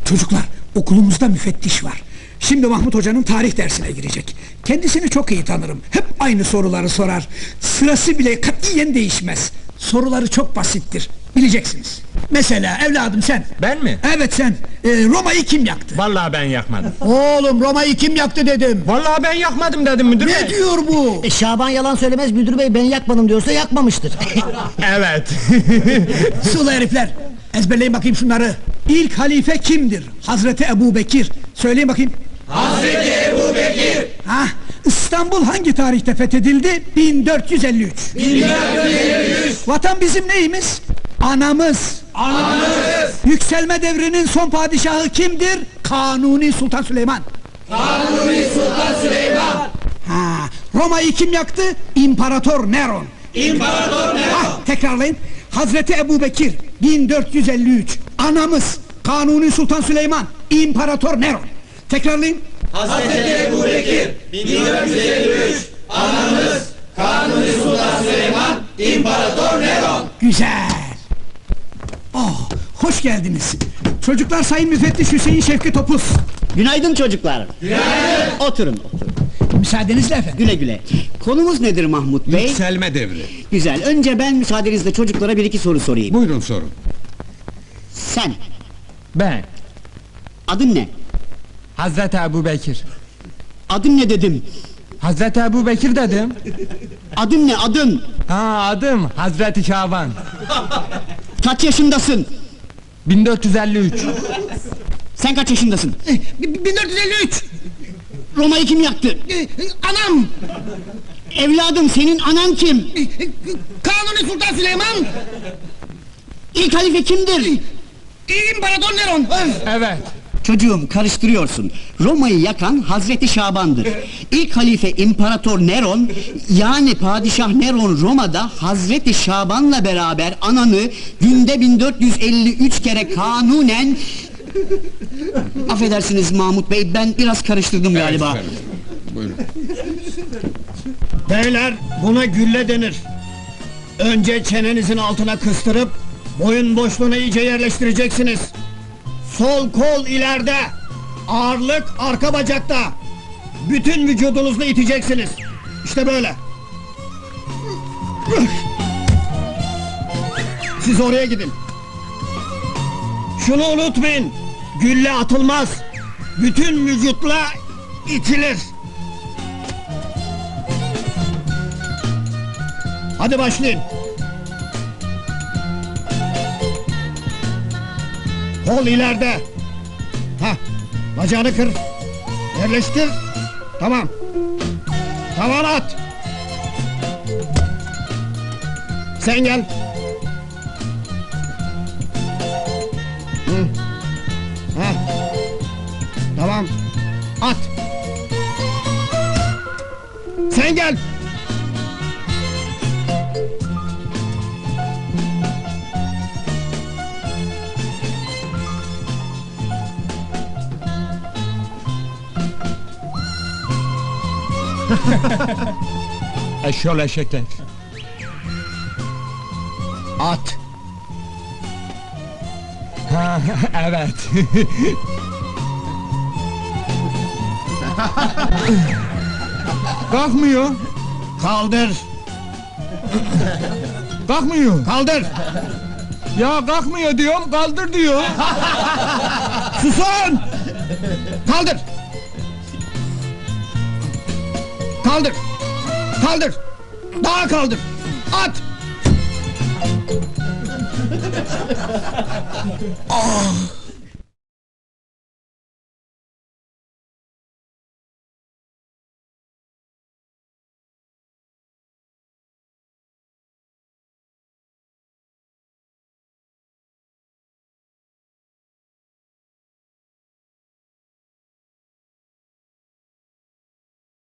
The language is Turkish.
Çocuklar, okulumuzda müfettiş var. Şimdi Mahmut Hoca'nın tarih dersine girecek. Kendisini çok iyi tanırım. Hep aynı soruları sorar. Sırası bile katiyen değişmez. Soruları çok basittir. Bileceksiniz. Mesela evladım sen. Ben mi? Evet sen. Roma'yı kim yaktı? Vallahi ben yakmadım. Oğlum Roma'yı kim yaktı dedim. Vallahi ben yakmadım dedim müdür bey. Ne diyor bu? Şaban yalan söylemez, müdür bey ben yakmadım diyorsa yakmamıştır. Evet. Sulu herifler. Ezberleyin bakayım şunları. İlk halife kimdir? Hazreti Ebubekir. Söyleyin bakayım. Hazreti Ebubekir. Ha, İstanbul hangi tarihte fethedildi? 1453. 1453. Vatan bizim neyimiz? Anamız. Anamız. Yükselme devrinin son padişahı kimdir? Kanuni Sultan Süleyman. Kanuni Sultan Süleyman. Ha, Roma'yı kim yaktı? İmparator Neron. İmparator Neron. Ha, tekrarlayın. Hazreti Ebubekir 1453. Anamız Kanuni Sultan Süleyman. İmparator Neron. Tekrarlayın. Hazreti Ebubekir 1453. Anamız Kanuni Sultan Süleyman. İmparator Neron. Güzel. Oh, hoş geldiniz. Çocuklar Sayın Müfettiş Hüseyin Şevki Topuz. Günaydın çocuklar. Günaydın. Oturun. Müsaadenizle efendim. Güle güle. Konumuz nedir Mahmut Bey? Yükselme devri. Güzel. Önce ben müsaadenizle çocuklara bir iki soru sorayım. Buyurun sorun. Sen, Ben. adın ne? Hazreti Ebubekir. Adın ne dedim? Hazreti Ebubekir dedim. Adın ne adın? Ha, adım Hazreti Şaban. Kaç yaşındasın? 1453. Sen kaç yaşındasın? 1453. Roma'yı kim yaktı? Anam. Evladım senin anan kim? Kanuni Sultan Süleyman. İlk halife kimdir? İmparator Neron. Evet. Çocuğum karıştırıyorsun. Roma'yı yakan Hazreti Şaban'dır. İlk halife İmparator Neron, yani Padişah Neron Roma'da Hazreti Şaban'la beraber ananı günde 1453 kere kanunen... Affedersiniz Mahmut Bey, ben biraz karıştırdım galiba. Evet efendim. Buyurun. Beyler, buna gülle denir. Önce çenenizin altına kıstırıp boyun boşluğuna iyice yerleştireceksiniz. Sol kol ileride, ağırlık arka bacakta. Bütün vücudunuzla iteceksiniz. İşte böyle. Siz oraya gidin. Şunu unutmayın, gülle atılmaz. Bütün vücutla itilir. Hadi başlayın. Kol ileride. Hah, bacağını kır. Yerleştir. Tamam. Tavan at. Sen gel. Hı. Hah. Tamam. At. Sen gel. Eşyol eşekler. At. Ha, evet. Kalkmıyor. Kaldır. Kalkmıyor. Kaldır. Ya kalkmıyor diyorum, kaldır diyor. Susun! Kaldır! Kaldır! Kaldır! Daha kaldır! At! Ah!